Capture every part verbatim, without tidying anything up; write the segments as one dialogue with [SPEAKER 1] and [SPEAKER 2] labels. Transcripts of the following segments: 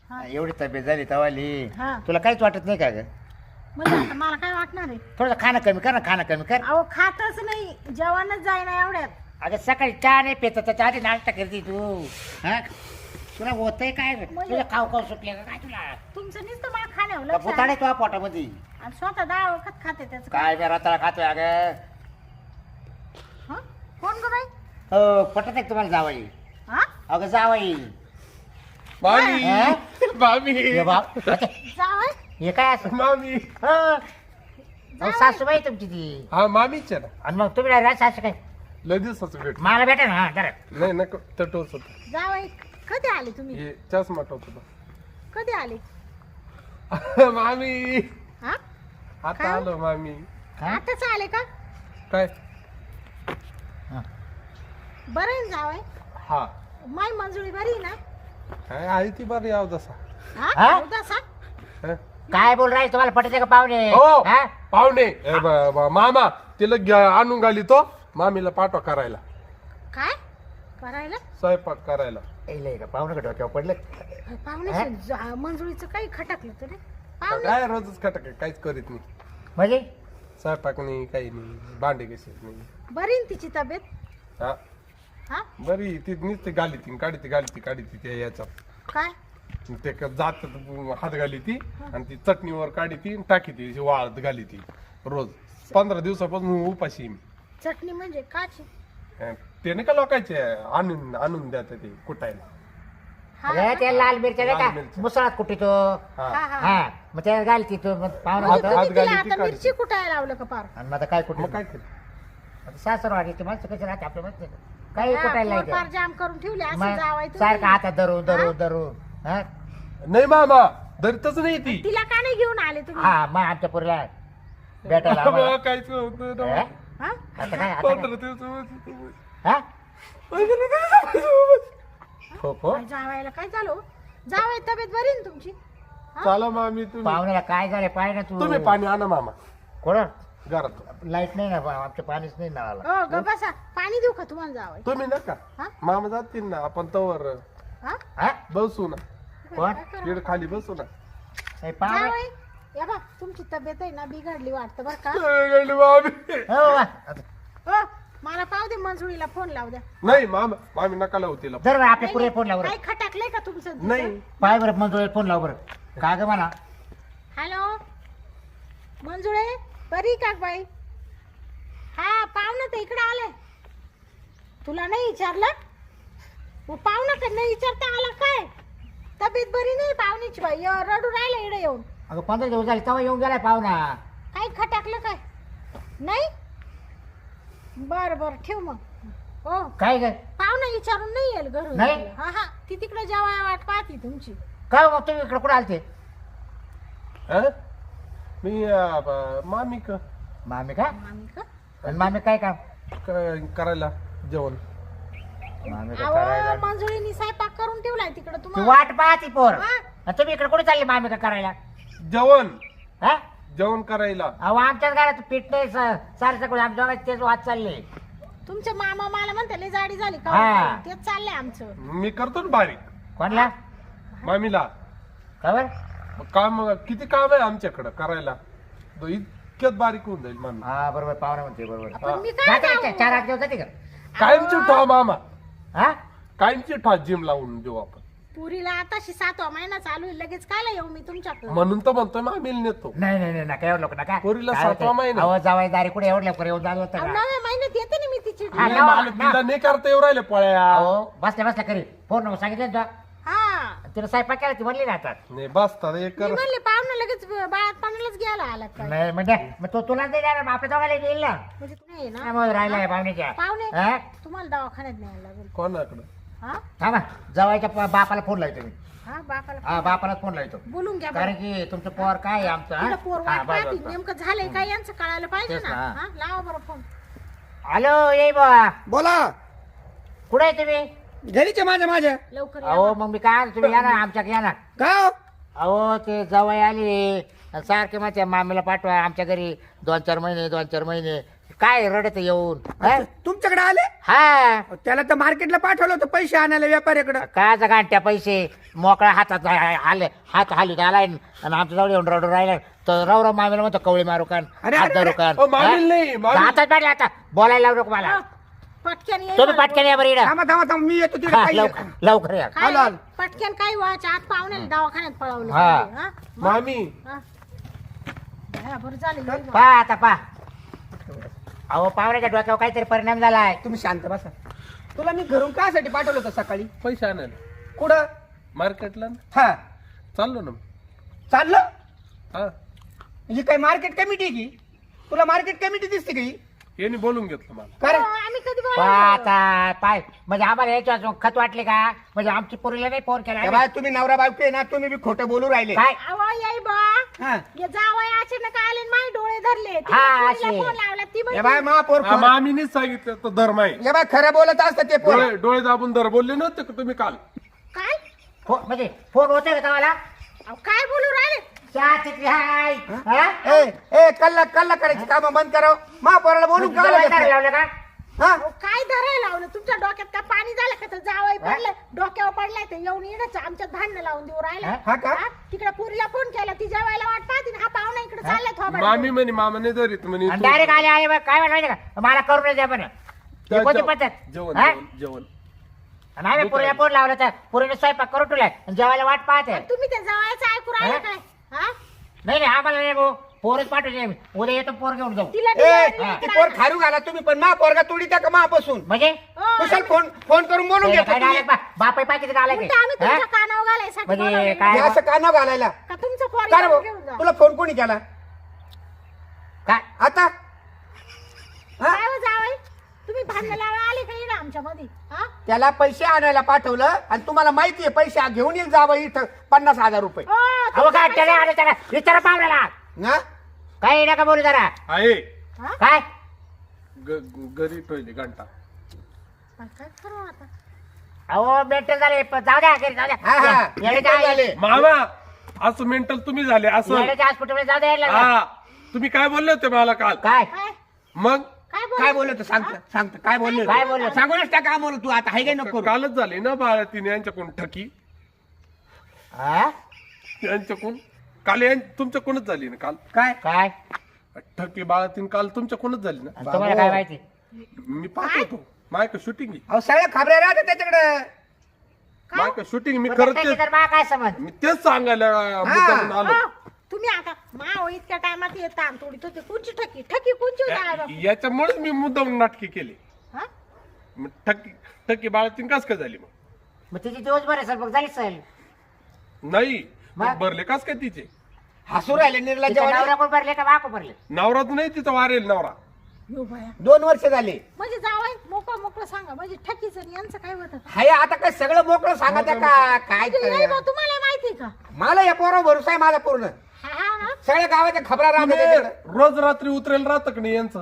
[SPEAKER 1] हा.
[SPEAKER 2] एवढी तब्येत झाली तवाली
[SPEAKER 1] हा.
[SPEAKER 2] तुला काहीच वाटत नाही का ग
[SPEAKER 1] म्हणजे आता मला काय वाटणार आहे?
[SPEAKER 2] थोडं खाणं कमी कर ना खाणं कमी कर
[SPEAKER 1] अहो खातच नाही, जेवणच जाईना एवढ्यात.
[SPEAKER 2] अगं सकाळी चहा नाही पेत त्याच्या आधी नाश्ता करते तू हा तुला होतंय काय
[SPEAKER 1] म्हणजे-
[SPEAKER 2] तुला खाऊ खाऊ सुटले का काय तुला
[SPEAKER 1] तुमचं नुसतं मला खाण्यावर
[SPEAKER 2] का
[SPEAKER 1] लक्ष
[SPEAKER 2] भुताडे
[SPEAKER 1] आहे.
[SPEAKER 2] तुझ्या पोटामध्ये
[SPEAKER 1] आणि स्वतः डाळ वखत खाते त्याचं
[SPEAKER 2] काय मी रताळा खातोय अगं
[SPEAKER 1] हं? कोण ग बाई?
[SPEAKER 2] हो पटत आहे का तुम्हाला जावाई
[SPEAKER 1] हा
[SPEAKER 2] अगं जावाई
[SPEAKER 3] मामी
[SPEAKER 2] हा?
[SPEAKER 3] मामी
[SPEAKER 2] हे बाप
[SPEAKER 1] जावय
[SPEAKER 2] हे काय असं
[SPEAKER 3] मामी
[SPEAKER 2] हो. अहो, सासूबाई तुमची ती
[SPEAKER 3] हा मामीच आहे ना
[SPEAKER 2] आणि मग तुम्ही राहिला सासू काय
[SPEAKER 3] लय दिवसाचं भेट
[SPEAKER 2] मला भेटा ना हा जरा
[SPEAKER 3] नाही नको तटवच होत
[SPEAKER 1] जावय कधी आले तुम्ही?
[SPEAKER 3] हे चष्मा टोच
[SPEAKER 1] कधी आले?
[SPEAKER 3] होता मामी
[SPEAKER 1] हा
[SPEAKER 3] आता
[SPEAKER 1] काय?
[SPEAKER 3] आलो मामी
[SPEAKER 2] हा?
[SPEAKER 1] आताच आले का?
[SPEAKER 3] काय
[SPEAKER 2] हा.
[SPEAKER 1] बरं आहे ना जावय?
[SPEAKER 3] हा
[SPEAKER 1] माय मंजुळी बरी आहे ना?
[SPEAKER 3] काय आहे ती बरं याव जसा
[SPEAKER 1] हा
[SPEAKER 2] हा?
[SPEAKER 1] उदासा?
[SPEAKER 3] हा?
[SPEAKER 2] काय बोल राहील तुम्हाला पटते का पाहुणे
[SPEAKER 3] हो
[SPEAKER 2] हा?
[SPEAKER 3] पाहुणे ए, ब- ब- मामा तिला घ्या- आणून घाली तो मामीला पाठवा करायला
[SPEAKER 1] काय करायला?
[SPEAKER 3] स्वयंपाक करायला
[SPEAKER 2] इले का पाहुणे का डोक्यावर पडलं
[SPEAKER 1] पाहुणे मंजुळीचं काही खटकलं तरी पाहुणे
[SPEAKER 3] काय रोजच खटक आहे, काहीच करीत नाही
[SPEAKER 2] म्हणजे
[SPEAKER 3] स्वयंपाक नाही काही नाही भांडे कशी नाही
[SPEAKER 1] बरी आहे ना तिची तब्येत?
[SPEAKER 3] हा
[SPEAKER 1] हा
[SPEAKER 3] बरी ती नुसती गाली ती काढी ती गाली ती काढी ती त्या याच्यात
[SPEAKER 1] काय?
[SPEAKER 3] ते क- जात हात घाली ती आणि ती चटणीवर काढी ती आणि टाकी ती अशी वाळत घाली ती रोज पंधरा दिवसापासून उपाशी आहे मी
[SPEAKER 1] चटणी म्हणजे काची?
[SPEAKER 3] अं, ते नाही का लोकांचे आणून आणून द्या ते कुटायला
[SPEAKER 1] हा
[SPEAKER 2] अरे
[SPEAKER 1] का?
[SPEAKER 2] त्या लाल मिरच्या नाही
[SPEAKER 3] लाल
[SPEAKER 2] का
[SPEAKER 3] मिरच्या.
[SPEAKER 2] मुसळात कुठे तो
[SPEAKER 3] हा
[SPEAKER 1] हा हा
[SPEAKER 2] हा मग त्या घालती तो मग पाहुणा
[SPEAKER 1] म्हणजे
[SPEAKER 2] होता
[SPEAKER 3] हात
[SPEAKER 1] तुम्ही तिला
[SPEAKER 3] घाली ती
[SPEAKER 1] आता
[SPEAKER 3] काढते.
[SPEAKER 1] मिरची कुटायला लावलं का पार?
[SPEAKER 2] आणि मग आता काय कुठे
[SPEAKER 3] मग काय केलं
[SPEAKER 2] सासर वाढी ते माणसं कशी राहते आपल्या माहिती काही
[SPEAKER 1] हा,
[SPEAKER 2] कुठायला
[SPEAKER 1] पोर पार
[SPEAKER 2] नाही
[SPEAKER 1] जाम करून ठेवले असं
[SPEAKER 2] मग
[SPEAKER 1] जावाय
[SPEAKER 2] सारखं हातात धरून धरून धरून हा
[SPEAKER 3] नाही मामा धरतच नाही ती
[SPEAKER 1] तिला का नाही घेऊन आले तुम्ही?
[SPEAKER 2] हा मग आमच्या पुरीला भेटायला आम्हाला.
[SPEAKER 3] बाबा, काहीच नव्हतं ना.
[SPEAKER 2] हा?
[SPEAKER 1] हा?
[SPEAKER 2] आता काय आता काय?
[SPEAKER 3] पंधरा दिवसापासून.
[SPEAKER 2] हा
[SPEAKER 3] पंधरा दिवसापासून.
[SPEAKER 2] हो हो
[SPEAKER 1] काय जावायला काय झालं? जावाय तब्येत बरी आहे ना तुमची?
[SPEAKER 3] चला मामी तुम्ही
[SPEAKER 2] पाहुण्याला काय झालं पाय ना तू
[SPEAKER 3] तुम्ही पाणी आणा मामा
[SPEAKER 2] कोण
[SPEAKER 3] घरात
[SPEAKER 2] लाईट नाही ना आमच्या पाणीच नाही नळाला
[SPEAKER 1] हो ग बसा, पाणी देऊ का तुम्हाला जावाय?
[SPEAKER 3] तुम्ही नका
[SPEAKER 1] हा?
[SPEAKER 3] मामा जातील ना आपण तवर
[SPEAKER 1] हा?
[SPEAKER 2] हा
[SPEAKER 3] बसू ना
[SPEAKER 2] कोण?
[SPEAKER 1] काय करा?
[SPEAKER 3] तिकडे खाली बसू ना
[SPEAKER 2] हे पाहुणे
[SPEAKER 1] जावई, या बा तुमची तब्येत आहे ना बिघडली वाटतं बरं का?
[SPEAKER 3] गंड मामी.
[SPEAKER 2] हो वा. आता
[SPEAKER 1] हो मला पाहू दे, मंजुळीला फोन लावू द्या.
[SPEAKER 3] नाही मामा मामी नका लावू तिला
[SPEAKER 2] जर बरं आपल्या पुरे फोन लाव बरं
[SPEAKER 1] काही खटकलंय का तुमचं?
[SPEAKER 3] नाही
[SPEAKER 2] पाय बरं मंजुळे फोन लाव बरं का ग मला
[SPEAKER 1] हॅलो मंजुळे, बरी का बाई? हा पाहुणा तर इकडे आलाय. तुला नाही विचारलं? मग पाहुणा तर नाही विचारता आला काय? तब्येत बरी नाही पाहुणीची बाई, य- रडू राहिला इकडे येऊन.
[SPEAKER 2] अगं पंधरा दिवस झाले तेव्हा येऊन गेलाय पाहुणा
[SPEAKER 1] काही खटकलं काय? नाही? बर बर ठेव मग. हो
[SPEAKER 2] काय ग
[SPEAKER 1] पाहुणा विचारून नाही येईल घरून.
[SPEAKER 2] नाही?
[SPEAKER 1] हा हा ती तिकडे जेवाय वाट पाहती तुमची.
[SPEAKER 2] काय हो मग तुम्ही इकडे कुठे आलते
[SPEAKER 3] हा? मी अं, ब- मामी क
[SPEAKER 2] मामी का
[SPEAKER 1] मामी का?
[SPEAKER 2] आणि मामी काय काम
[SPEAKER 3] क- करायला जेवण
[SPEAKER 2] मामी का
[SPEAKER 1] अहो
[SPEAKER 2] करायला
[SPEAKER 1] मंजुळीनी स्वयंपाक करून ठेवलाय तिकडे
[SPEAKER 2] ती
[SPEAKER 1] तुम्हाला.
[SPEAKER 2] वाट पाहती पोर
[SPEAKER 1] हा?
[SPEAKER 2] आणि तुम्ही इकडे कुठे चालले मामी का करायला
[SPEAKER 3] जेवण
[SPEAKER 2] हा
[SPEAKER 3] जेवण करायला
[SPEAKER 2] अहो आमच्याच घरात पीठ नाही सारे सगळं आमच्या घरात तेच वाद चालले
[SPEAKER 1] तुमचे मामा मला म्हणते लय जाडी झाली का?
[SPEAKER 2] हा.
[SPEAKER 1] तेच चाललंय आमचं.
[SPEAKER 3] मी करतो ना बारीक
[SPEAKER 2] कोणला
[SPEAKER 3] मामीला
[SPEAKER 2] खबर
[SPEAKER 3] मग काम किती काम आहे आमच्याकडं करायला तो इतक्यात बारीक होऊन जाईल मामी
[SPEAKER 2] हा बरोबर पाहुणा म्हणते बरोबर
[SPEAKER 1] पण मी काय
[SPEAKER 2] जाते का?
[SPEAKER 1] जाऊ?
[SPEAKER 2] चार आठ दिवस जाते का
[SPEAKER 3] कायमची ठा मामा
[SPEAKER 2] हा
[SPEAKER 3] कायमची ठा जिम लावून देऊ आपण
[SPEAKER 1] पुरीला आताशी सातवा महिना चालू आहे, लगेच कायला येऊ मी तुमच्याकडे?
[SPEAKER 3] म्हणून तर म्हणतोय मामीला नेतो
[SPEAKER 2] नाही नाही नाही नका एवढं लोक नका
[SPEAKER 3] पोरीला
[SPEAKER 2] काय
[SPEAKER 3] सातवा
[SPEAKER 2] होतंय?
[SPEAKER 3] महिना.
[SPEAKER 2] अहो जावाई दारी कुठे एवढं लवकर येऊन झालं होतं
[SPEAKER 1] अहो,
[SPEAKER 2] का
[SPEAKER 1] नव्या महिन्यात येते ना मी तिची.
[SPEAKER 2] हा,
[SPEAKER 3] नाही,
[SPEAKER 2] लावा,
[SPEAKER 3] मला
[SPEAKER 2] लावा.
[SPEAKER 3] तिला नाही करता येऊ राहिले पळ्या
[SPEAKER 2] अहो बसल्या बसल्या करी फोन नंबर सांगितलं ना
[SPEAKER 1] हा
[SPEAKER 2] तुला तिला स्वयंपाक केला ती म्हणली ना आता
[SPEAKER 3] नाही बसता एक
[SPEAKER 1] मी
[SPEAKER 3] कर
[SPEAKER 1] म्हणले पाहुणा लगेच बाळात पाण्यालाच घ्यायला आला काय?
[SPEAKER 2] नाही म्हणजे मग तो तुला नाही देणार मग आपल्या दोघाला येईल ना
[SPEAKER 1] म्हणजे तू नाही ना
[SPEAKER 2] त्यामुळे राहिलाय पाहुण्याच्या
[SPEAKER 1] पाहुणे
[SPEAKER 2] हा?
[SPEAKER 1] तुम्हाला दवाखान्यात न्यायला लागेल.
[SPEAKER 3] कोणाकडं
[SPEAKER 1] हा
[SPEAKER 2] हा ना जवायच्या प- बापाला फोन लावतो मी
[SPEAKER 1] हा बापाला
[SPEAKER 2] हा बापाला फोन लावतो
[SPEAKER 1] बोलून घ्या
[SPEAKER 2] कारण
[SPEAKER 1] बरं.
[SPEAKER 2] की तुमचं पोर काय आहे आमचं
[SPEAKER 1] तिला
[SPEAKER 2] हा?
[SPEAKER 1] पोर
[SPEAKER 2] हा,
[SPEAKER 1] वाट
[SPEAKER 2] बस,
[SPEAKER 1] पाहती,
[SPEAKER 2] बस, बस.
[SPEAKER 1] नेमकं झालंय काय यांचं कळायला पाहिजे
[SPEAKER 2] तेच
[SPEAKER 1] ना.
[SPEAKER 2] ना.
[SPEAKER 1] हा लावा बरं फोन.
[SPEAKER 2] हॅलो ये बा
[SPEAKER 4] बोला
[SPEAKER 2] कुठे आहे तुम्ही
[SPEAKER 4] घरीच आहे माझ्या माझ्या
[SPEAKER 1] लवकर या.
[SPEAKER 2] अहो मग मी काय आणतो, तुम्ही या ना आमच्याकडे या ना
[SPEAKER 4] का हो?
[SPEAKER 2] अहो ते जवळ आली सारखे माझ्या मामीला पाठवा आमच्या घरी दोन चार महिने दोन चार महिने काय रडत येऊन हा?
[SPEAKER 4] तुमच्याकडे आले
[SPEAKER 2] हा
[SPEAKER 4] त्याला तर मार्केटला पाठवलं होतं पैसे आणायला व्यापाऱ्याकडे
[SPEAKER 2] काय गांठ्या पैसे मोकळ्या हातात आले हात हालून आलाय आणि आमच्या जवळ येऊन रडून राहिला तर रवराव मामेला म्हणतो कवळी मारू कान
[SPEAKER 4] अरे,
[SPEAKER 2] हात
[SPEAKER 4] अरे,
[SPEAKER 2] धरू
[SPEAKER 4] अरे.
[SPEAKER 2] कान
[SPEAKER 3] अ, मामील नाही,
[SPEAKER 2] हा?
[SPEAKER 3] मामील.
[SPEAKER 2] हातात पाडले आता बोलायला लावू नको मला
[SPEAKER 1] अ, पटक्यान ये
[SPEAKER 2] तुम्ही
[SPEAKER 1] मला
[SPEAKER 2] पटकन या बरं इकडं.
[SPEAKER 4] थांबा थांबा थांबा मी येतो तिकडे
[SPEAKER 2] हा,
[SPEAKER 4] काही
[SPEAKER 2] लवकर लवकर या
[SPEAKER 1] काय
[SPEAKER 4] आलो, आलो.
[SPEAKER 1] पटक्यान काय व्हायचं आत पाहुण्याने दवाखान्यात पळवलं
[SPEAKER 2] हा.
[SPEAKER 1] हा?
[SPEAKER 3] मामी
[SPEAKER 1] हा. हा, बरं झालं ये बा.
[SPEAKER 2] पा आता पा अहो पावराच्या डोक्यावर काहीतरी परिणाम झालाय
[SPEAKER 4] तुम्ही शांत बसा तुला मी घरून कासाठी पाठवलं होतं सकाळी
[SPEAKER 3] पैसे आणायला
[SPEAKER 4] कुठं
[SPEAKER 3] मार्केटला ना.
[SPEAKER 4] हा
[SPEAKER 3] चाललो ना
[SPEAKER 4] चाललं
[SPEAKER 3] हा
[SPEAKER 4] ही काय मार्केट कमिटी आहे की तुला मार्केट कमिटी दिसते का ही
[SPEAKER 3] यांनी बोलून घेतलं मला
[SPEAKER 4] कारण
[SPEAKER 1] हो, आम्ही कधी
[SPEAKER 2] पा
[SPEAKER 1] बोलावलं?
[SPEAKER 2] आता पाय म्हणजे आम्हाला याच्या खत वाटले का म्हणजे आमची पोरीला नाही फोन केला
[SPEAKER 4] ए बाय तुम्ही नवरा बायको आहे ना तुम्ही बी खोटं बोलू राहिले
[SPEAKER 2] काय
[SPEAKER 1] अहो, येई बा
[SPEAKER 4] हा
[SPEAKER 1] ये जावई अचानक आले आणि माझे डोळे धरले तिला
[SPEAKER 2] हा,
[SPEAKER 1] पोरीला
[SPEAKER 2] असे.
[SPEAKER 1] फोन लावला ती
[SPEAKER 4] ए
[SPEAKER 1] म्हणली,
[SPEAKER 4] बाय महापौर
[SPEAKER 3] हा, मामीनीच सांगितलं तर धर्म आहे
[SPEAKER 4] ए बाय खरं बोलत असतं ते पोर
[SPEAKER 3] डोळे डोळे दाबून धर बोलले नव्हते का तुम्ही काल
[SPEAKER 1] काय
[SPEAKER 2] फो- म्हणजे फोन होते का तुम्हाला
[SPEAKER 1] अहो, काय बोलू राहिले
[SPEAKER 2] चहा तिथली हाय हा?
[SPEAKER 4] ए ए कल्ला कल्ला करायची काम बंद करावं महापौराला बोलून
[SPEAKER 2] म्हणजे
[SPEAKER 4] का
[SPEAKER 2] जवळ
[SPEAKER 4] लागत
[SPEAKER 2] धरायला
[SPEAKER 4] नाही?
[SPEAKER 2] लावलं का
[SPEAKER 4] हा
[SPEAKER 1] अहो, काय धरायला लावलं तुमच्या डोक्यात का पाणी झालं का तर जावई पडले डोक्यावर पडलाय ते येऊन येणच आमच्यात भांडण लावून देऊ राहिला
[SPEAKER 4] हा का?
[SPEAKER 1] तिकडे पुरीला फोन केला ती जेवायला वाट पाहते आणि हा पाहुणा इकडे चाललाय थोबाड
[SPEAKER 3] मामी म्हणे मामा नाही धरीत म्हणे तू-
[SPEAKER 2] डायरेक्ट आले आले बा, काय म्हणायचं का मला करून नाही द्या बरं हे कोणती
[SPEAKER 3] जेवण
[SPEAKER 2] पद्धत
[SPEAKER 3] जेवण
[SPEAKER 2] हा?
[SPEAKER 3] जेवण- जेवण
[SPEAKER 2] आणि आम्ही पुरीला फोन लावला तर पुरीने स्वयंपाक करून ठेवलाय आणि जेवायला वाट पाहते
[SPEAKER 1] तुम्ही त्या जवळचं ऐकू राहिले
[SPEAKER 2] हा?
[SPEAKER 1] काय हा
[SPEAKER 2] नाही नाही आम्हाला नाही भाऊ पोरच पाठवले आम्ही. उद्या येतो पोर घेऊन जाऊ
[SPEAKER 1] तिला
[SPEAKER 4] ए
[SPEAKER 1] डिलिव्हरी
[SPEAKER 4] ती
[SPEAKER 1] इकडं
[SPEAKER 4] पोर खारू घाला तुम्ही पण महापौरगा तोडी त्या का महापासून
[SPEAKER 2] म्हणजे
[SPEAKER 1] हो,
[SPEAKER 4] कुशल फोन फोन करून बोलून घ्या
[SPEAKER 2] काय डायरेक्ट बापाई पाहिजे आलाय
[SPEAKER 1] उलटं आम्ही
[SPEAKER 2] काय
[SPEAKER 1] तुमच्या कानावर घालायसाठी
[SPEAKER 2] म्हणजे
[SPEAKER 1] बोलावलंय.
[SPEAKER 2] काय?
[SPEAKER 4] हे असं का न घालायला
[SPEAKER 1] का तुमचं पोर
[SPEAKER 4] का रे भाऊ?
[SPEAKER 1] घेऊन जा
[SPEAKER 4] तुला फोन कोणी केला
[SPEAKER 2] काय
[SPEAKER 4] आता हा?
[SPEAKER 1] काय हो जावई तुम्ही भांडण लावायला आले का इकडे आमच्या मध्ये हा
[SPEAKER 4] त्याला पैसे आणायला पाठवलं आणि तुम्हाला माहिती आहे पैसे घेऊन येईल जावं इथं पन्नास हजार रुपये
[SPEAKER 1] ओ,
[SPEAKER 2] अहो
[SPEAKER 1] तुमच्या
[SPEAKER 2] काय त्याला आलं त्याला विचारा पाहुण्याला
[SPEAKER 4] ना
[SPEAKER 2] काही नका बोलू जरा
[SPEAKER 3] आहे
[SPEAKER 1] हा?
[SPEAKER 2] काय
[SPEAKER 3] ग- घरी ठेवली घंटा
[SPEAKER 1] पण काय करू आता
[SPEAKER 2] अहो मेंटल झाले प- जाऊ द्या घरी जाऊ
[SPEAKER 4] हा हा
[SPEAKER 2] द्या
[SPEAKER 4] मेंटल झाले
[SPEAKER 3] मामा असं मेंटल तुम्ही झाले असं
[SPEAKER 2] येण्याच्या हॉस्पिटल जाऊ द्या यायला.
[SPEAKER 3] हा तुम्ही काय बोलले होते मला काल
[SPEAKER 2] काय
[SPEAKER 1] काय
[SPEAKER 3] मग
[SPEAKER 1] काय
[SPEAKER 4] काय
[SPEAKER 1] बोल
[SPEAKER 4] बोलत सांगत सांगत काय बोलले
[SPEAKER 2] काय बोलले?
[SPEAKER 4] सांगूनच टाका आम्हाला तू आता हाय काय नको करू.
[SPEAKER 3] कालच झाले ना बाळा तिने यांच्याकडून ठकी
[SPEAKER 2] हा?
[SPEAKER 3] यांच्याकडून काल यां- तुमच्याकडूनच झाली ना काल
[SPEAKER 4] काय
[SPEAKER 2] काय
[SPEAKER 3] ठकी बाळा तीन काल तुमच्याकडूनच झाली ना
[SPEAKER 2] आणि तुम्हाला काय माहिती
[SPEAKER 3] मी पाहतो मायक शूटिंग
[SPEAKER 4] अहो सगळ्या खबऱ्या राहतात त्याच्याकडे
[SPEAKER 3] मायक शूटिंग मी
[SPEAKER 2] मग
[SPEAKER 3] खरंच
[SPEAKER 2] त्याची
[SPEAKER 3] तेच-
[SPEAKER 2] तर मला काय समज
[SPEAKER 3] मी तेच सांगायला मुद्दामून आलो
[SPEAKER 1] हो, तुम्ही आता माव इतक्या टायमात येत तोडीत होते कुंची ठकी ठकी कुंची
[SPEAKER 3] या- याच्यामुळेच मी मुद्दाम नाटकी केली
[SPEAKER 1] हा
[SPEAKER 3] मग ठकी ठकी बाळा तीन कस काय झाली मग
[SPEAKER 2] मग तिची दिवसभर सर मग झाली सहल
[SPEAKER 3] नाही
[SPEAKER 2] मग?
[SPEAKER 3] भरले कस काय तिचे
[SPEAKER 4] हसू राहिले
[SPEAKER 2] तिच्या
[SPEAKER 4] निर्लज्ज
[SPEAKER 2] नवरा कोण भरले का बाको भरले
[SPEAKER 3] नवरात नाही तिथं वारेल नवरा
[SPEAKER 1] यो बाया
[SPEAKER 4] दोन वर्ष झाले
[SPEAKER 1] म्हणजे जावई मोकळं मोकळं सांगा म्हणजे ठकीचं आणि यांचं काय होतं
[SPEAKER 4] हाय आता काय सगळं मोकळं सांगा त्या का काय
[SPEAKER 1] ते
[SPEAKER 4] तर.
[SPEAKER 1] येई भाऊ, तुम्हाला माहिती का
[SPEAKER 4] मला या पोरा भरोसा आहे माझा पूर्ण
[SPEAKER 1] हा हा ना
[SPEAKER 4] सगळ्या गावाच्या खबरा राहतात
[SPEAKER 3] तुम्ही
[SPEAKER 4] त्याच्याकडे.
[SPEAKER 3] रोज रात्री उतरेल राहतं का नाही यांचं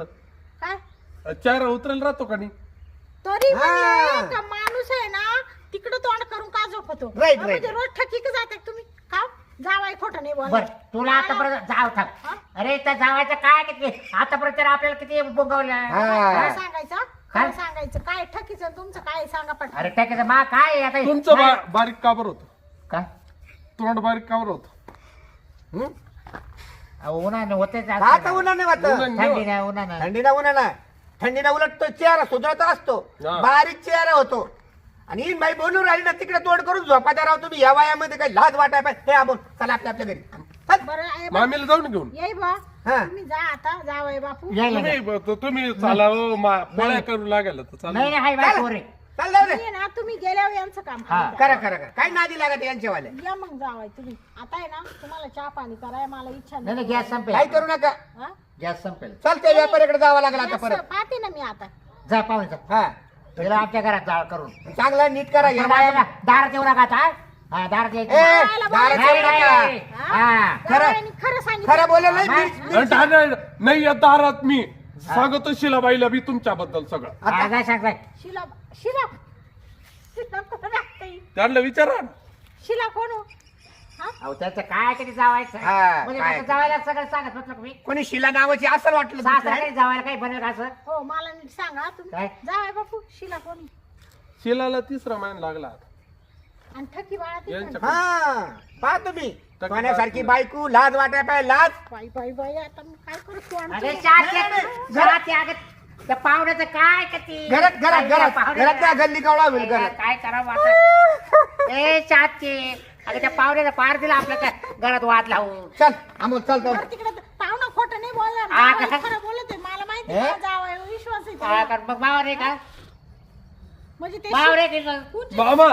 [SPEAKER 1] काय
[SPEAKER 3] चेहरा उतरेल राहतो का नाही
[SPEAKER 1] तरी
[SPEAKER 4] हा.
[SPEAKER 1] म्हणले का माणूस आहे ना तिकडं तोंड करून का झोपतो
[SPEAKER 4] Right,
[SPEAKER 1] हा, म्हणजे
[SPEAKER 4] right.
[SPEAKER 1] रोज ठकी का जाते तुम्ही का जावाई खोटं नाही
[SPEAKER 2] बर
[SPEAKER 1] बोल
[SPEAKER 2] तुला आतापर्यंत जाव
[SPEAKER 1] हा?
[SPEAKER 2] थांब अरे त्या जावायचं काय किती आतापर्यंत तर आपल्याला किती बोगवलं
[SPEAKER 4] हा.
[SPEAKER 1] काय सांगायचं
[SPEAKER 2] काय?
[SPEAKER 1] काय सांगायचं काय ठकीचं आणि तुमचं काय सांगा
[SPEAKER 2] अरे
[SPEAKER 1] पटकन
[SPEAKER 2] टाकायचं मा काय आहे आता
[SPEAKER 3] तुमचं
[SPEAKER 2] नाही.
[SPEAKER 3] बा- बारीक काबर होत
[SPEAKER 2] काय
[SPEAKER 3] तोंड बारीक काबर होत
[SPEAKER 4] हं?
[SPEAKER 2] अहो, उन्हानं होतेच
[SPEAKER 4] का आता उन्हा नाही वाटत
[SPEAKER 3] उन्हानं.
[SPEAKER 2] थंडी नाही उन्हानं
[SPEAKER 4] थंडीना उन्हा ना थंडीना उलट तो चेहरा सुधरत असतो
[SPEAKER 3] हा.
[SPEAKER 4] बारीक चेहरा होतो आणि इन बाई बोलून राहिली ना तिकडे तोड करून झोपात्या राव तुम्ही या वयामध्ये काही लाज वाटाय पाहिजे हे आपण चला आपल्या आपल्या घरी चल.
[SPEAKER 1] बरं आहे बा.
[SPEAKER 3] मामीला जाऊन घेऊन
[SPEAKER 1] येई बा
[SPEAKER 4] हा.
[SPEAKER 1] तुम्ही जा आता जावई बापू
[SPEAKER 2] यायला
[SPEAKER 3] तुम्ही
[SPEAKER 2] नाही.
[SPEAKER 3] ब- तुम्ही चाला हो, मा- पोळ्या करू लागेल तर चालेल.
[SPEAKER 2] नाही नाही हाय बाय
[SPEAKER 4] चल.
[SPEAKER 2] पोरे
[SPEAKER 4] चल जाऊ दे
[SPEAKER 1] तुम्ही ना तुम्ही गेल्यावर यांचं काम
[SPEAKER 2] हा.
[SPEAKER 1] करा.
[SPEAKER 4] करा करा करा काय नादी लागत यांच्यावाले
[SPEAKER 1] या मग जावाय तुम्ही आता आहे ना तुम्हाला चहा पाणी कराय मला इच्छा
[SPEAKER 2] नाही नाही
[SPEAKER 1] नाही
[SPEAKER 2] गॅस संपेल
[SPEAKER 4] काय करू नका
[SPEAKER 1] हा?
[SPEAKER 2] गॅस संपेल
[SPEAKER 4] चल त्या व्यापाऱ्याकडे जावं लागलं आता
[SPEAKER 1] असं
[SPEAKER 4] परत
[SPEAKER 1] पाहते ना मी आता
[SPEAKER 2] जा पाहून जा
[SPEAKER 4] हा
[SPEAKER 2] तिला आमच्या घरात जाळ करून
[SPEAKER 4] चांगला नीट करा या
[SPEAKER 2] बायाला दारात येऊ नका आता, हा हा दारात यायचं
[SPEAKER 4] ए,
[SPEAKER 2] नाही.
[SPEAKER 4] दारात
[SPEAKER 2] नाही,
[SPEAKER 4] येऊ
[SPEAKER 2] नाही,
[SPEAKER 4] नका.
[SPEAKER 2] नाही. हा
[SPEAKER 4] खरं-
[SPEAKER 1] जावयाने खरं सांगितलं
[SPEAKER 4] खरं बोलले नाही
[SPEAKER 2] हा.
[SPEAKER 4] मी-
[SPEAKER 3] आणि ठाणे- नाही या दारात मी सांगतो शिलाबाईला बी तुमच्याबद्दल सगळं
[SPEAKER 2] हा, काय सांगताय
[SPEAKER 1] शिला शिला शिला कोण आहे?
[SPEAKER 3] त्यांना विचारा ना.
[SPEAKER 1] शिला कोण हो?
[SPEAKER 2] अहो त्याचं काय कधी जावायचं
[SPEAKER 4] हा,
[SPEAKER 2] म्हणजे
[SPEAKER 4] काय?
[SPEAKER 2] त्याचं जावायला सगळं सांगत म्हटलं मी
[SPEAKER 4] कोणी शिला नावाची असं वाटलं
[SPEAKER 2] सासरा
[SPEAKER 4] दुसरं.
[SPEAKER 2] काही जावायला काही बनेल का असं
[SPEAKER 1] हो मला नीट सांगा तुम्ही
[SPEAKER 2] काय?
[SPEAKER 1] जावाय बापू शिला कोणी
[SPEAKER 3] शिलाला तिसरा महिना लागला
[SPEAKER 1] आणि ठकी बाळा ती
[SPEAKER 3] यांच्या-
[SPEAKER 1] पण.
[SPEAKER 4] हा पहा तुम्ही
[SPEAKER 3] टक्के
[SPEAKER 4] सोन्यासारखी
[SPEAKER 3] बायको.
[SPEAKER 4] बायको लाज वाटाय पाहिजे लाज
[SPEAKER 1] बाई बाई बाई आता मी काय करू तू
[SPEAKER 2] अरे
[SPEAKER 1] आमचं?
[SPEAKER 2] चार
[SPEAKER 4] नाही, नाही,
[SPEAKER 2] जरा त्या त्या पाहुण्याचं काय का ती
[SPEAKER 4] घरात घरात घरात
[SPEAKER 2] पाहुण्याचं-
[SPEAKER 4] घरात त्या गल्ली कवळा होईल घरात
[SPEAKER 2] काय करावं आता ए चाचे अगं त्या पाहुण्याचा पार दिला आपल्या त्या घरात वाद लावून
[SPEAKER 4] चल अमोल चल चल
[SPEAKER 1] बरं तिकडे पाहुणा खोटं नाही बोलणार
[SPEAKER 2] हा,
[SPEAKER 1] जावई
[SPEAKER 2] का?
[SPEAKER 1] खरं बोलत आहे मला माहिती
[SPEAKER 4] हे?
[SPEAKER 1] आहे जावई विश्वास आहे
[SPEAKER 2] हा,
[SPEAKER 1] त्याला.
[SPEAKER 2] कारण मग मावर आहे का
[SPEAKER 1] म्हणजे ते
[SPEAKER 2] मावर आहे की
[SPEAKER 1] कुठे-
[SPEAKER 3] मामा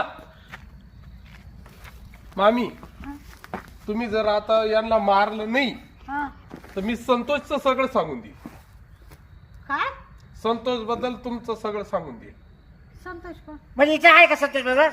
[SPEAKER 3] मामी तुम्ही जर आता यांना मारलं नाही
[SPEAKER 1] हा.
[SPEAKER 3] तर मी संतोषचं सगळं सांगून देईन
[SPEAKER 1] काय
[SPEAKER 3] संतोष बद्दल तुमचं सगळं सांगून देईन
[SPEAKER 1] संतोष पण
[SPEAKER 2] म्हणजे इथे आहे का संतोष बरोबर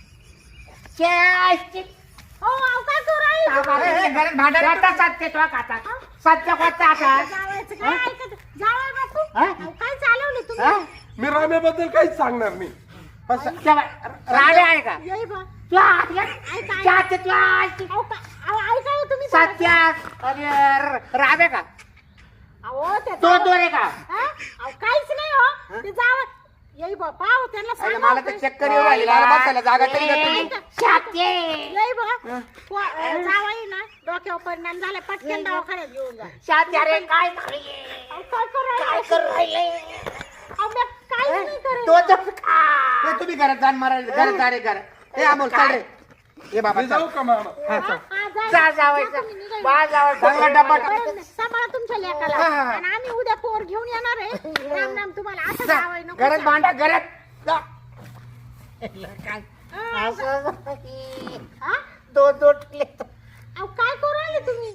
[SPEAKER 1] हो अहो, काय करू राहिली?
[SPEAKER 4] ए, ए, घरात भांडण
[SPEAKER 2] सत्य तो आता सत्य कोणता आता
[SPEAKER 1] जावयाचं काय ऐकत जावई बापू
[SPEAKER 2] हा?
[SPEAKER 1] अहो, काय चालवलं
[SPEAKER 2] हा?
[SPEAKER 1] तुम्ही
[SPEAKER 3] मी राम्याबद्दल काहीच सांगणार नाही
[SPEAKER 2] राडे आहे का
[SPEAKER 1] येई बा
[SPEAKER 2] तुला
[SPEAKER 1] ऐका
[SPEAKER 2] चाचे तुला
[SPEAKER 1] अहो, का- अहो, ऐका हो तुम्ही
[SPEAKER 2] सत्या अरे राबे का
[SPEAKER 1] अहो ते
[SPEAKER 2] तो
[SPEAKER 1] जावई-
[SPEAKER 2] दोन आहे का
[SPEAKER 1] हा? अहो, काहीच नाही हो ते जावं येई बा पाहू त्यांना
[SPEAKER 4] अरे,
[SPEAKER 1] सांगा
[SPEAKER 4] मला तर चक्कर येऊ राहिली मला बसायला जागा तरी देत नाही.
[SPEAKER 2] शाते
[SPEAKER 1] येई बा जावई ना डोक्यावर परिणाम झाला पटकन दवाखान्यात घेऊन जा
[SPEAKER 2] शाते अरे काय झालंय?
[SPEAKER 1] अहो, काय करू
[SPEAKER 2] काय
[SPEAKER 1] राहिले?
[SPEAKER 2] करू राहिले
[SPEAKER 1] अहो, मी काहीच नाही करेल.
[SPEAKER 2] तो तर का?
[SPEAKER 4] ए, तुम्ही घरात जाण मारा घरात जा रे घरात ए अमोल चल रे ये बाबा
[SPEAKER 3] मी
[SPEAKER 4] चल
[SPEAKER 3] जाऊ का मामा
[SPEAKER 1] हा, हा, जा.
[SPEAKER 2] जा जावं
[SPEAKER 1] जा तुम्ही निघा.
[SPEAKER 2] बा जावं
[SPEAKER 4] चांगला डब्बा
[SPEAKER 1] बरं, सांभाळा तुमच्या लेकाला
[SPEAKER 4] हा, हा.
[SPEAKER 1] आणि आम्ही उद्या पोर घेऊन येणार आहे राम राम तुम्हाला असं जावई नको
[SPEAKER 4] घरात भांडा घरात जा.
[SPEAKER 2] काय
[SPEAKER 1] हा,
[SPEAKER 2] असं
[SPEAKER 1] हा?
[SPEAKER 2] दोन दोन
[SPEAKER 1] अहो, काय करू राहिले तुम्ही